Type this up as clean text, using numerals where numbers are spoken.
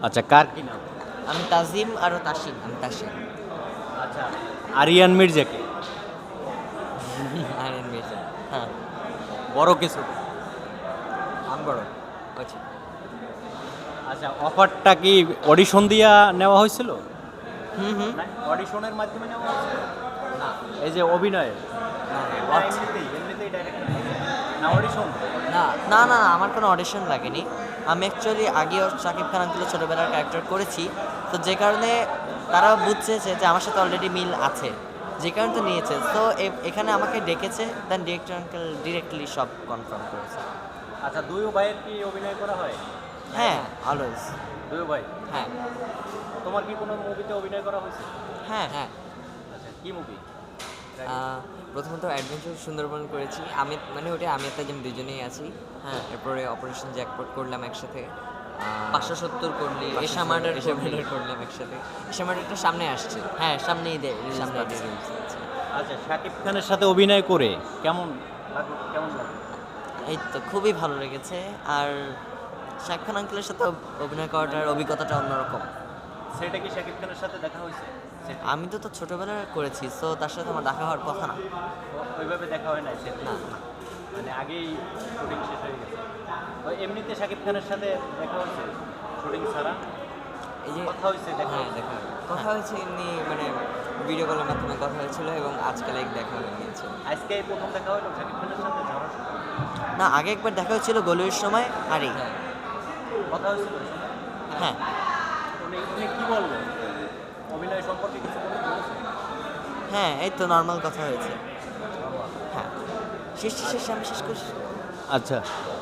আচ্ছা, কার কি নাম? আমি তাজিম আর তাসিম। আমি তাসিম। আচ্ছা, আরিয়ান মির্জাকে আরিয়ান মির্জা। হ্যাঁ, বড় কিছু। আমি বড়। আচ্ছা। আচ্ছা, অফারটা কি অডিশন দিয়া নেওয়া হয়েছিল? হুম হুম। না, অডিশনের মাধ্যমে নেওয়া হয়েছিল? না, এই যে অভিনয়ের এমনিতেই ডাইরেক্ট না অডিশন? না না না, আমার কোনো অডিশন লাগেনি। আমি অ্যাকচুয়ালি আগেও শাকিব খান আঙ্কেলের ছোটোবেলার ক্যারেক্টার করেছি, তো যে কারণে তারা বুঝছে যে আমার সাথে অলরেডি মিল আছে, যে কারণে তো নিয়েছে। তো এখানে আমাকে ডেকেছে, দেন ডিরেক্টর আঙ্কেল ডিরেক্টলি সব কনফার্ম করেছে। আচ্ছা, দুই ভাইয়ের কি অভিনয় করা হয়? হ্যাঁ, অলওয়েজ। দুই ভাই, হ্যাঁ তোমার কি কোনো মুভিতে অভিনয় করা হয়েছে? হ্যাঁ হ্যাঁ। আচ্ছা, কি মুভি? প্রথমত অ্যাডভেঞ্চার সুন্দরবন করেছি আমি, মানে ওটা আমি আর তাজিম দুজনেই আছি। হ্যাঁ। এরপরে অপারেশন জ্যাকপট করলাম একসাথে। 570 করলি, এশা মার্ডার করলাম একসাথে। এশা মার্ডারটা সামনে আসছে। হ্যাঁ, সামনেই দে সামনে সামনে release হচ্ছে। আচ্ছা, শাকিব খানের সাথে অভিনয় করে কেমন লাগলো? কেমন লাগলো? এই তো খুবই ভালো লেগেছে। আর শাকিব খান আঙ্কেলের সাথে অভিনয় করাটার অভিজ্ঞতাটা অন্যরকম। সেটা কি শাকিব খানের সাথে দেখা হয়েছে? সেটা আমি তো ছোটবেলায় করেছি, সো তার সাথে আমার দেখা হওয়ার কথা না। ওইভাবে দেখা হয় নাই সেটা? না। মানে আগেই শুটিং শেষ হয়ে গেছে। তো এমনিতে শাকিব খানের সাথে দেখা হয়েছে শুটিং ছাড়া? এই যে কথা হয়েছে, দেখা হ্যাঁ, হয়েছে? দেখা কথা হয়েছে এমনি, মানে ভিডিও কলের মাধ্যমে কথা হয়েছিল এবং আজকাল এক দেখা হয়ে গিয়েছে। আজকে এই প্রথম দেখা হলো শাকিব খানের সাথে ঝড়ের সময়? না, আগে একবার দেখা হয়েছিল গলির সময়, আরে হ্যাঁ। কথা হয়েছিল ওই সময়? হ্যাঁ উনি উনি কি বললেন অভিনয় সম্পর্কে কিছু বলেছে? হ্যাঁ, এই তো নর্মাল কথা হয়েছে। হ্যাঁ, শেষ আমি শেষ করছি। আচ্ছা,